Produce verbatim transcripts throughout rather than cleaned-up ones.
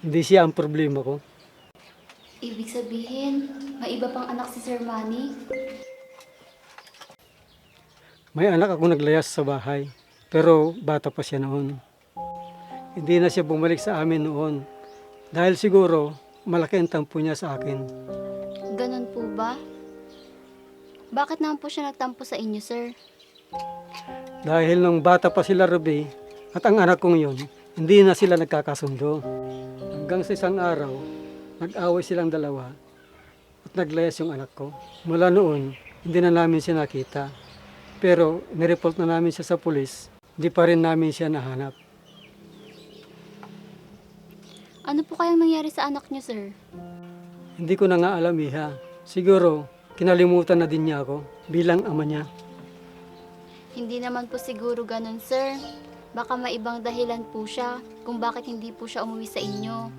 Hindi siya ang problema ko. Ibig sabihin, may iba pang anak si Sir Manny? May anak ako naglayas sa bahay, pero bata pa siya noon. Hindi na siya bumalik sa amin noon dahil siguro malaki ang tampo niya sa akin. Ganon po ba? Bakit naman po siya nagtampo sa inyo, sir? Dahil nung bata pa sila Ruby at ang anak kong yun, hindi na sila nagkakasundo. Hanggang sa isang araw, nag-away silang dalawa at naglayas yung anak ko. Mula noon, hindi na namin siya nakita. Pero nireport na namin siya sa pulis, hindi pa rin namin siya nahanap. Ano po kayang nangyari sa anak niyo, sir? Hindi ko na nga alam, Iha. Siguro, kinalimutan na din niya ako bilang ama niya. Hindi naman po siguro ganon, sir. Baka may ibang dahilan po siya kung bakit hindi po siya umuwi sa inyo.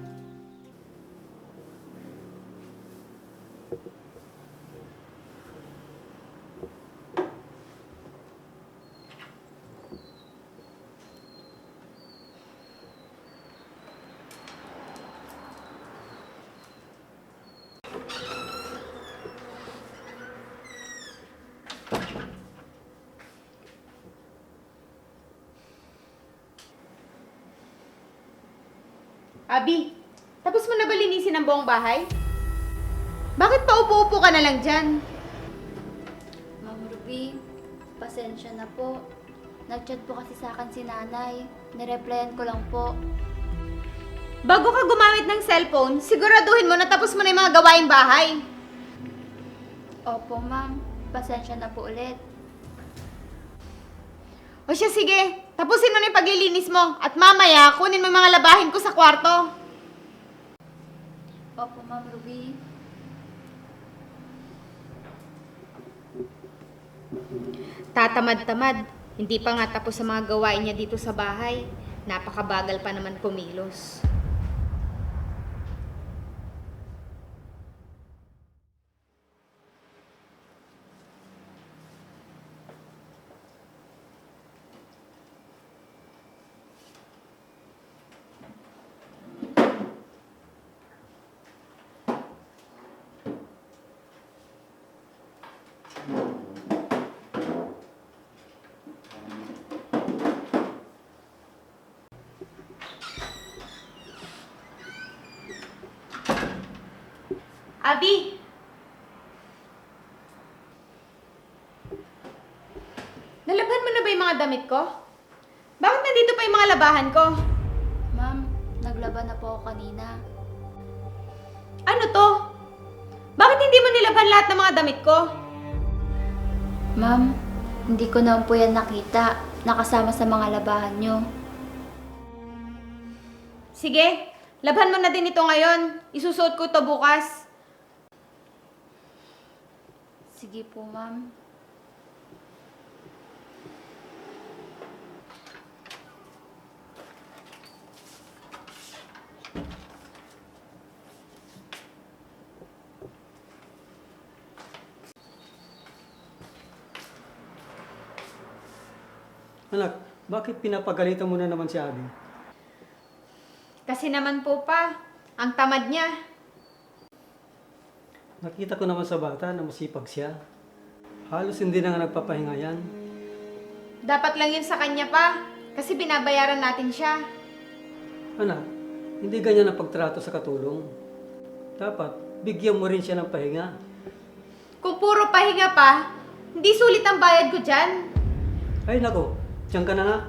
Abi, tapos mo na ba linisin ang buong bahay? Bakit pa upo-upo ka na lang dyan? Ma'am Ruby, pasensya na po. Nag-chat po kasi sa akin si nanay. Nireplyan ko lang po. Bago ka gumamit ng cellphone, siguraduhin mo na tapos mo na yung mga gawaing bahay. Opo, ma'am. Pasensya na po ulit. O siya, sige. Tapusin mo na yung paglilinis mo. At mamaya, kunin mo yung mga labahin ko sa kwarto. Opo, Ma'am Ruby. Tatamad-tamad. Hindi pa nga tapos sa mga gawain niya dito sa bahay. Napakabagal pa naman kumilos. Abi! Nalabhan mo na ba yung mga damit ko? Bakit nandito pa yung mga labahan ko? Ma'am, naglaban na po ako kanina. Ano to? Bakit hindi mo nilabhan lahat ng mga damit ko? Ma'am, hindi ko naman po yan nakita. Nakasama sa mga labahan nyo. Sige, labhan mo na din ito ngayon. Isusuot ko to bukas. Sige po, ma'am. Anak, bakit pinapagalitan mo na naman si Abby? Kasi naman po pa, ang tamad niya. Nakita ko naman sa bata na masipag siya. Halos hindi na nga nagpapahinga yan. Dapat lang yun sa kanya pa, kasi binabayaran natin siya. Anak, hindi ganyan ang pagtrato sa katulong. Dapat, bigyan mo rin siya ng pahinga. Kung puro pahinga pa, hindi sulit ang bayad ko dyan. Ay nako, diyan ka na nga.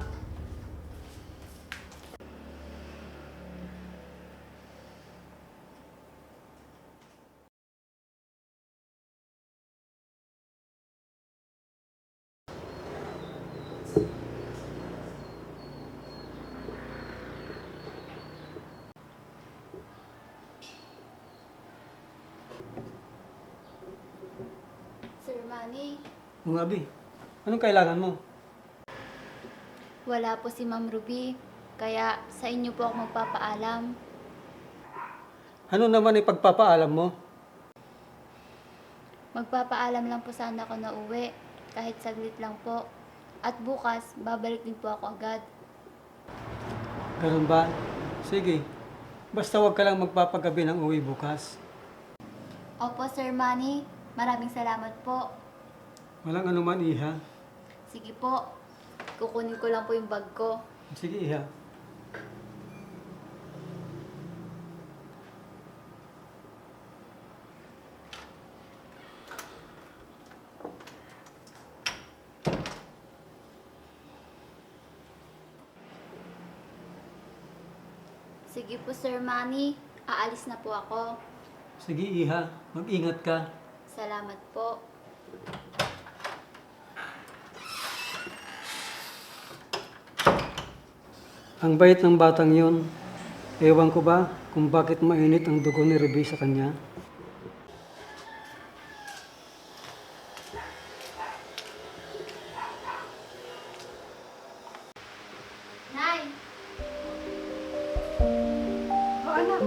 Sir Manny, Mga Abby, anong kailangan mo? wala po si Ma'am Ruby. Kaya sa inyo po ako magpapaalam. Ano naman ipagpapaalam mo? Magpapaalam lang po sana ako na uwi. Kahit saglit lang po. At bukas, babalik din po ako agad. Ganun ba? Sige, Basta huwag ka lang magpapagabi ng uwi bukas. Opo, Sir Manny. Maraming salamat po. Walang anuman, Iha. Sige po. Kukunin ko lang po yung bag ko. Sige, Iha. Sige po, Sir Manny. Aalis na po ako. Sige, Iha. Mag-ingat ka. Salamat po. Ang bait ng batang yun. Ewan ko ba kung bakit mainit ang dugo ni Ruby sa kanya. Nay! O anak,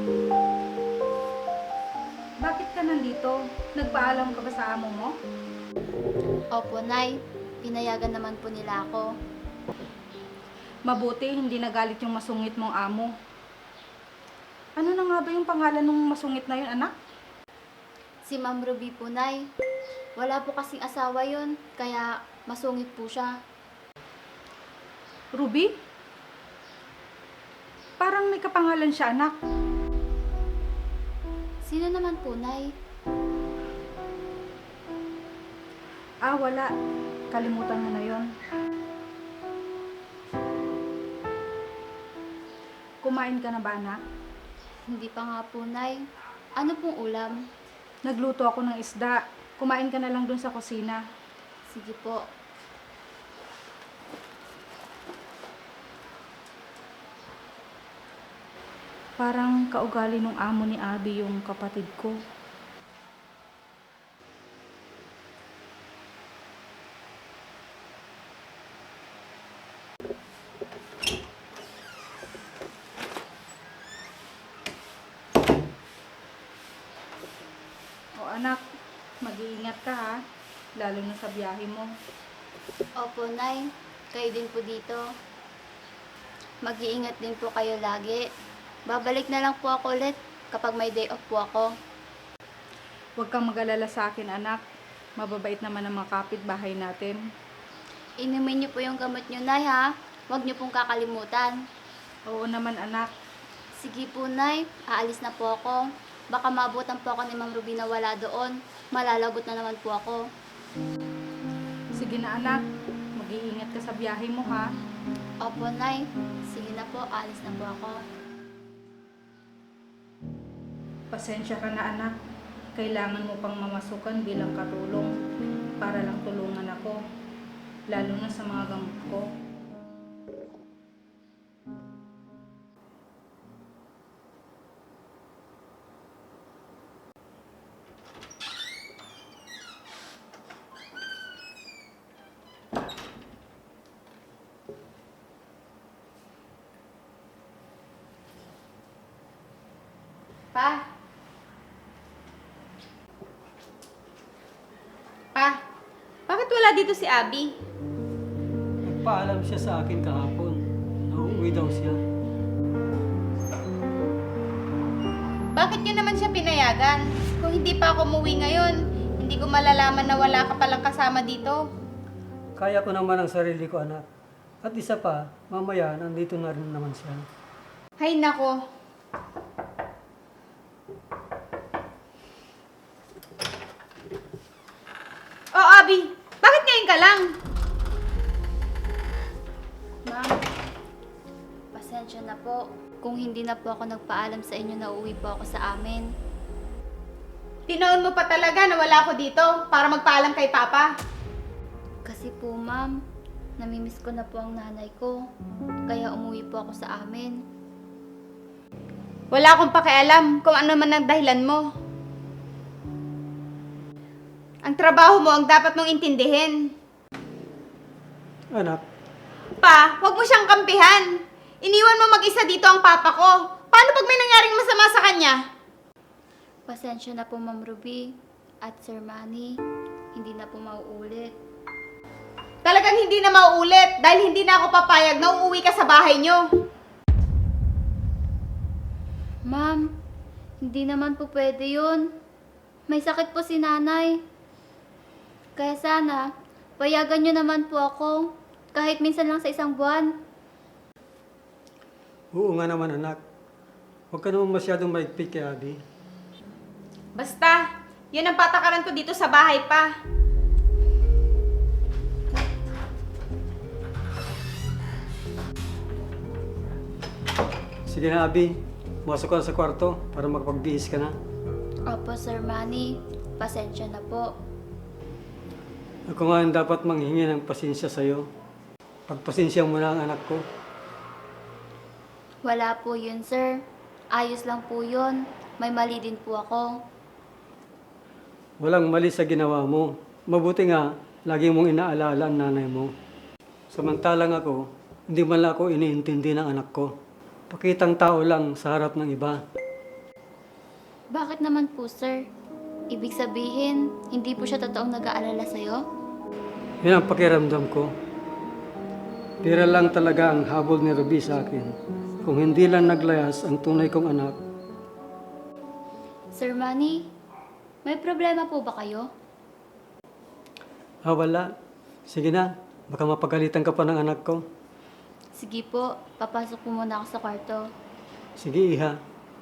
bakit ka nandito? Nagpaalam ka ba sa amo mo? Opo, Nay. Pinayagan naman po nila ako. Mabuti, hindi nagalit yung masungit mong amo. Ano na nga ba yung pangalan ng masungit na yun, anak? Si Ma'am Ruby po, Nay. Wala po kasing asawa yun, kaya masungit po siya. Ruby? Parang may kapangalan siya, anak. Sino naman po, Nay? Ah, wala. Kalimutan mo na yon. Kumain ka na ba, anak? Hindi pa nga po, Nay. Ano pong ulam? Nagluto ako ng isda. Kumain ka na lang dun sa kusina. Sige po. Parang kaugali nung amo ni Abby yung kapatid ko. O anak, mag-iingat ka ha, lalo na sa biyahe mo. Opo, Nay. Kayo din po dito. Mag-iingat din po kayo lagi. Babalik na lang po ako ulit kapag may day off po ako. Huwag kang mag-alala sa akin, anak. Mababait naman ang mga kapitbahay natin. Inumin niyo po yung gamot niyo, Nay, ha? Huwag niyo pong kakalimutan. Oo naman, anak. Sige po, Nay. Aalis na po ako. Baka maabutan po ako ni Ma'am Ruby na wala doon. Malalagot na naman po ako. Sige na, anak. Mag-iingat ka sa biyahe mo, ha? Opo, Nay. Sige na po. Aalis na po ako. Pasensya ka na, anak. Kailangan mo pang mamasukan bilang katulong para lang tulungan ako, lalo na sa mga gamot ko. Pa? Pa? Bakit wala dito si Abby? Nagpaalam siya sa akin kahapon. Nauuwi daw siya. Bakit nyo naman siya pinayagan? Kung hindi pa ako umuwi ngayon, hindi ko malalaman na wala ka palang kasama dito. Kaya ko naman ang sarili ko, anak. At isa pa, mamaya nandito na rin naman siya. Hay nako. Oh, Abby, bakit ngayon ka lang? Ma'am, pasensya na po. Kung hindi na po ako nagpaalam sa inyo na uuwi po ako sa amin. Tinoon mo pa talaga na wala ako dito para magpaalam kay Papa. Kasi po, ma'am, namimiss ko na po ang nanay ko. Kaya umuwi po ako sa amin. Wala akong pakialam kung ano man ang dahilan mo. Ang trabaho mo ang dapat mong intindihin. Anak, Pa, huwag mo siyang kampihan. Iniwan mo mag-isa dito ang papa ko. Paano pag may nangyaring masama sa kanya? Pasensya na po, Ma'am Ruby at Sir Manny. Hindi na po mauulit. Talagang hindi na mauulit dahil hindi na ako papayag na uuwi ka sa bahay nyo. Ma'am, hindi naman po pwede yun. May sakit po si nanay. Kaya sana, payagan nyo naman po ako. Kahit minsan lang sa isang buwan. Oo nga naman anak. Huwag ka naman masyadong maigpit kay Abby. Basta, yan ang patakaran ko dito sa bahay pa. Sige na Abby, masok ka na sa kwarto para makapagbihis ka na. Opo, Sir Manny. Pasensya na po. Ako nga ang dapat manghingi ng pasensya sa'yo. Pagpasensya mo na ang anak ko. Wala po yun, sir. Ayos lang po yun. May mali din po ako. Walang mali sa ginawa mo. Mabuti nga, lagi mong inaalala ang nanay mo. Samantalang ako, hindi man lang ako iniintindi ng anak ko. Pakitang tao lang sa harap ng iba. Bakit naman po, sir? Ibig sabihin, hindi po siya totoong nag-aalala sa'yo? Yan ang pakiramdam ko. Pira lang talaga ang habol ni Ruby sa akin. Kung hindi lang naglayas ang tunay kong anak, Sir Manny, may problema po ba kayo? ah wala. Sige na, baka mapagalitan ka pa ng anak ko. Sige po, papasok po muna ako sa kwarto. Sige iha.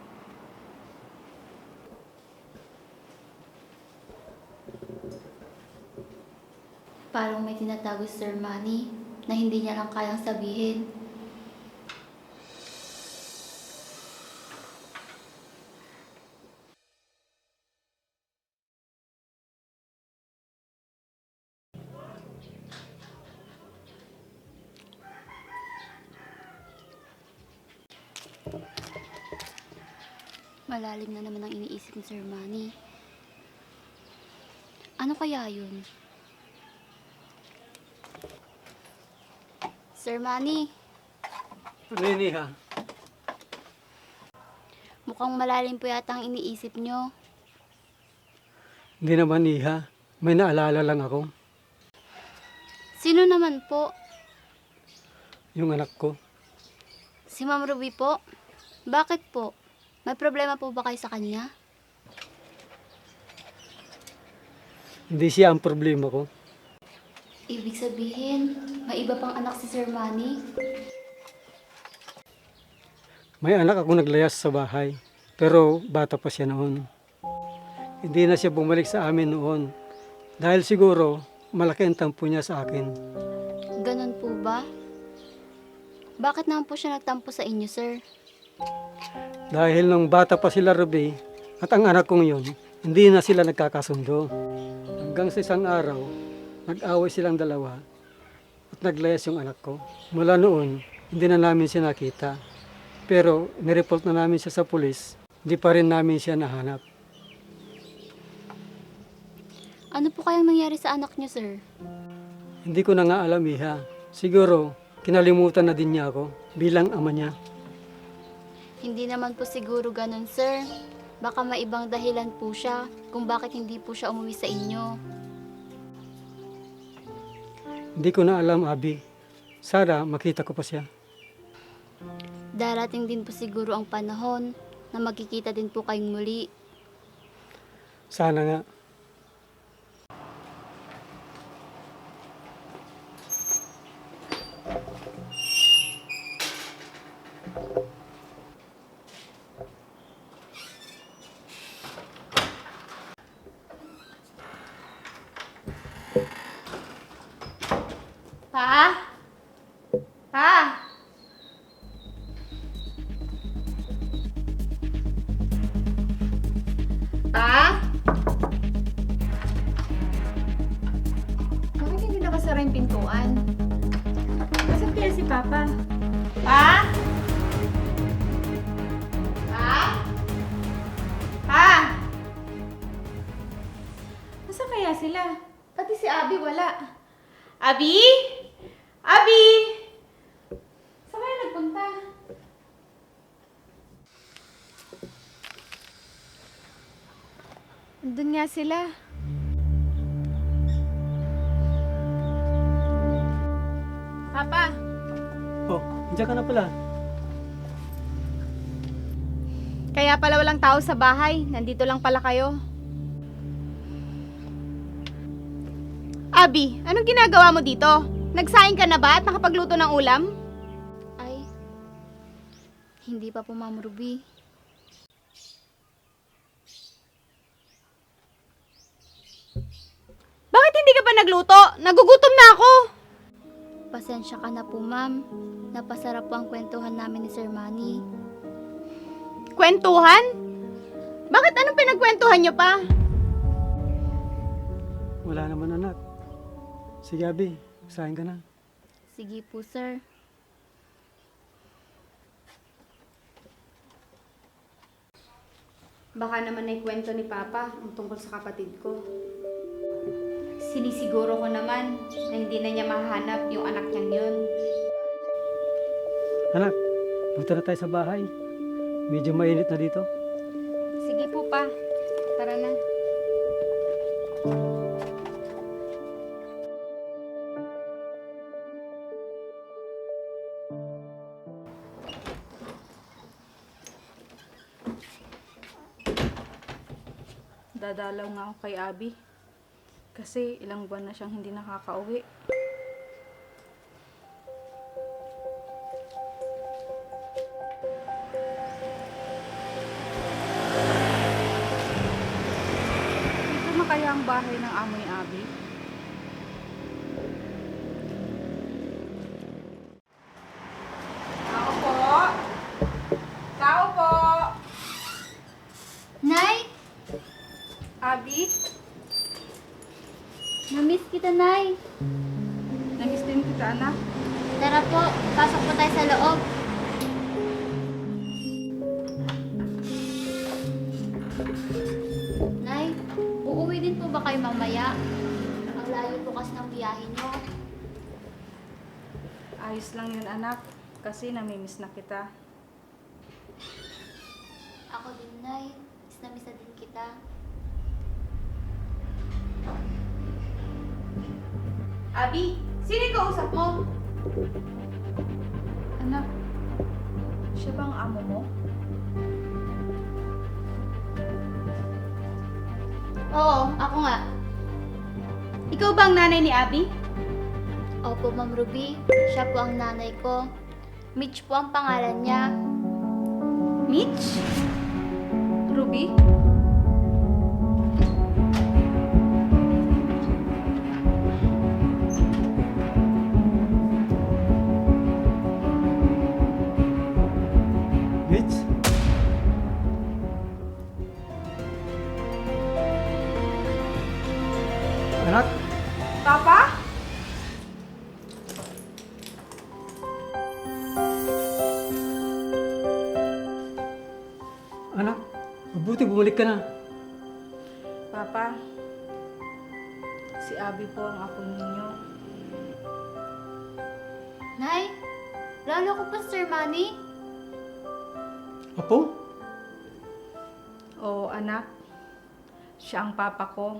Parang may tinatago si Sir Manny na hindi niya lang kayang sabihin. Malalim na naman ang iniisip ni Sir Manny. Ano kaya yun? Sir Manny, Ano yun iha? mukhang malalim po yata ang iniisip nyo. Hindi naman iha. May naalala lang ako. Sino naman po? Yung anak ko. Si Ma'am Ruby po? Bakit po? May problema po ba kayo sa kanya? Hindi siya ang problema ko. Ibig sabihin, may iba pang anak si Sir Manny? May anak ako naglayas sa bahay. Pero bata pa siya noon. Hindi na siya bumalik sa amin noon. Dahil siguro, malaki ang tampo niya sa akin. Ganon po ba? Bakit naman po siya nagtampo sa inyo, sir? Dahil nung bata pa sila Ruby, at ang anak kong yun, hindi na sila nagkakasundo. Hanggang sa isang araw, nag-away silang dalawa at naglayas yung anak ko. Mula noon, hindi na namin siya nakita. Pero nireport na namin siya sa pulis, hindi pa rin namin siya nahanap. Ano po kayang nangyari sa anak niyo, sir? Hindi ko na nga alam, iha. Siguro, kinalimutan na din niya ako bilang ama niya. Hindi naman po siguro ganon, sir. Baka may ibang dahilan po siya kung bakit hindi po siya umuwi sa inyo. Hindi ko na alam, Abby. Sana makita ko pa siya. Darating din po siguro ang panahon na magkikita din po kayong muli. Sana nga. Pa? Pa? Pa? Bakit hindi nakasara yung pintuan? Nasaan kaya si Papa? Pa? Pa? Pa? Nasaan kaya sila? Pati si Abby wala. Abby? Abby! Saan kaya nagpunta? Andun nga sila. Papa, Oh, nandiyan ka na pala. Kaya pala walang tao sa bahay. Nandito lang pala kayo. Abi, anong ginagawa mo dito? Nagsaing ka na ba at nakapagluto ng ulam? Ay, hindi pa po, Ma'am Ruby. Bakit hindi ka pa nagluto? Nagugutom na ako. Pasensya ka na po, Ma'am. Napasarap po ang kwentuhan namin ni Sir Manny. Kwentuhan? Bakit anong pinagkwentuhan nyo pa? Wala naman anak. Sige Abi, sahin ka na. Sige po, sir. Baka naman ay kwento ni Papa ang tungkol sa kapatid ko. Sinisiguro ko naman na hindi na niya mahahanap yung anak niyang yun. Anak, punta na tayo sa bahay. Medyo mainit na dito. Sige po pa, tara na. Dadalaw nga ako kay Abi. Kasi ilang buwan na siyang hindi nakakauwi. Dito na kaya ang bahay ng amo ni Abi? Tao po! Tao po! Nay! Abi? Namiss kita, Nay. Namiss din kita, anak. Tara po, pasok po tayo sa loob. Nay, uuwi din po ba kayo mamaya? Ang layo po kasi ng biyahe nyo. Ayos lang yun, anak. Kasi namimiss na kita. Ako din, Nay. Miss na miss na din kita. Abi, sino yung kausap mo? Anak, siya ba ang amo mo? Oo, ako nga. Ikaw ba ang nanay ni Abi? Opo, Ma'am Ruby. Siya po ang nanay ko. Mitch po ang pangalan niya. Mitch? Ruby? Mitch? Anak, Papa? anak, mabuti bumalik ka na. Papa, si Abi po ang apo ninyo. Nay, lalo ko po, Sir Manny. Apo? Oo, anak. Siya ang papa ko.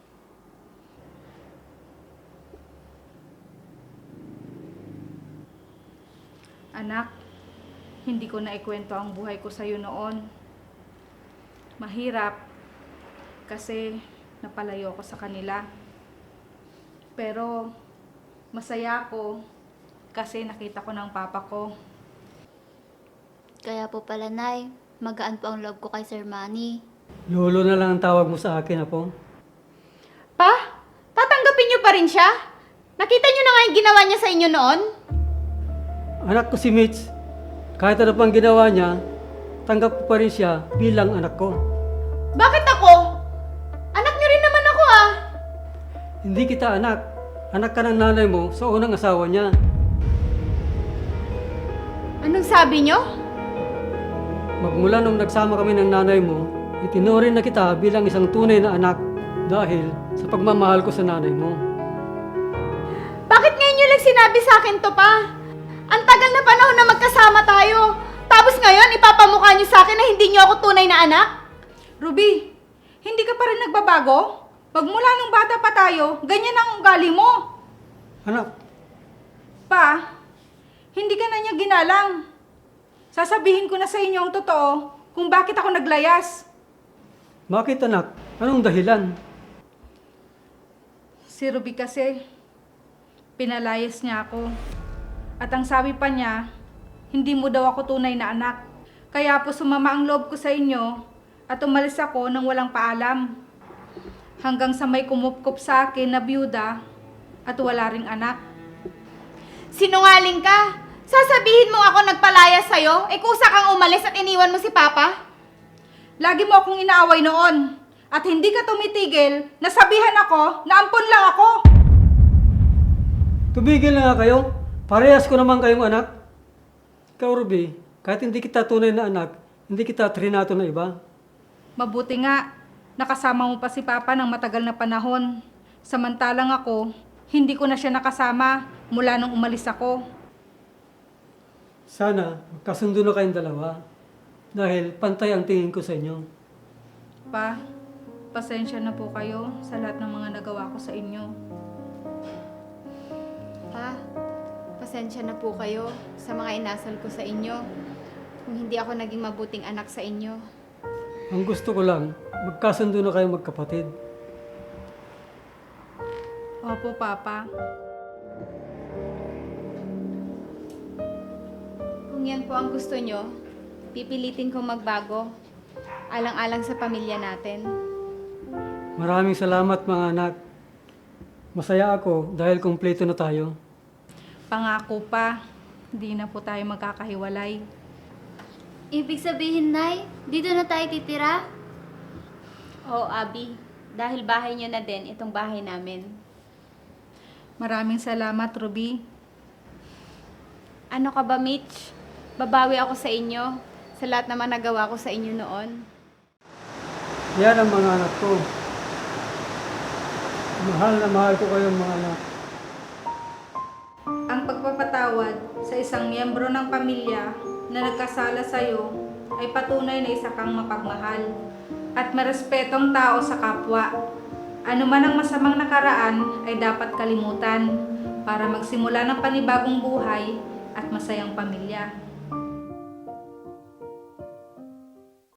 Anak, hindi ko na ikwento ang buhay ko sa'yo noon. Mahirap kasi napalayo ako sa kanila. Pero masaya ako kasi nakita ko ng papa ko. Kaya po pala, Nay, magaan po ang loob ko kay Sir Manny. Lolo na lang ang tawag mo sa akin, Apo. Pa, tatanggapin niyo pa rin siya? Nakita niyo na nga yung ginawa niya sa inyo noon? Anak ko si Mitch. Kahit ano pang ginawa niya, tanggap ko pa rin siya bilang anak ko. Bakit ako? Anak niyo rin naman ako ah. Hindi kita anak. Anak ka ng nanay mo sa unang asawa niya. Anong sabi niyo? Magmula nung nagsama kami ng nanay mo, itinuring na kita bilang isang tunay na anak dahil sa pagmamahal ko sa nanay mo. Bakit ngayon niyo lang sinabi sa akin to pa? Ang tagal na panahon na magkasama tayo. Tapos ngayon, ipapamukha niyo sa akin na hindi niyo ako tunay na anak? Ruby, hindi ka pa rin nagbabago? Magmula nung bata pa tayo, ganyan ang ugali mo. Anak, Pa, hindi ka na niya ginalang. Sasabihin ko na sa inyo ang totoo kung bakit ako naglayas. Bakit anak? Anong dahilan? Si Ruby kasi, pinalayas niya ako. At ang sabi pa niya, hindi mo daw ako tunay na anak. Kaya po sumama ang loob ko sa inyo at umalis ako nang walang paalam. Hanggang sa may kumupkup sa akin na byuda at wala ring anak. Sinungaling ka! Sasabihin mo ako nagpalaya sa'yo? Eh kusa kang umalis at iniwan mo si Papa? Lagi mo akong inaaway noon. At hindi ka tumitigil, nasabihan ako na ampon lang ako. Tumigil na nga kayo. Parehas ko naman kayong anak. Ikaw, Ruby, kahit hindi kita tunay na anak, hindi kita trinato na iba. Mabuti nga, nakasama mo pa si Papa ng matagal na panahon. Samantalang ako, hindi ko na siya nakasama mula nung umalis ako. Sana magkasundo na kayong dalawa dahil pantay ang tingin ko sa inyo. Pa, pasensya na po kayo sa lahat ng mga nagawa ko sa inyo. Pa, pasensya na po kayo sa mga inasal ko sa inyo. Kung hindi ako naging mabuting anak sa inyo. Ang gusto ko lang, magkasundo na kayong magkapatid. Opo, Papa. Kung yan po ang gusto nyo, pipilitin kong magbago. Alang-alang sa pamilya natin. Maraming salamat mga anak. Masaya ako dahil kumpleto na tayo. Pangako pa, hindi na po tayo magkakahiwalay. Ibig sabihin, Nay, dito na tayo titira? Oo, Abi. Dahil bahay nyo na din itong bahay namin. Maraming salamat, Ruby. Ano ka ba, Mitch? Babawi ako sa inyo sa lahat naman nagawa ko sa inyo noon. Yan ang mga anak ko. Mahal na mahal ko kayong mga anak. Ang pagpapatawad sa isang miyembro ng pamilya na nagkasala sa iyo ay patunay na isa kang mapagmahal at marespetong tao sa kapwa. Ano man ang masamang nakaraan ay dapat kalimutan para magsimula ng panibagong buhay at masayang pamilya.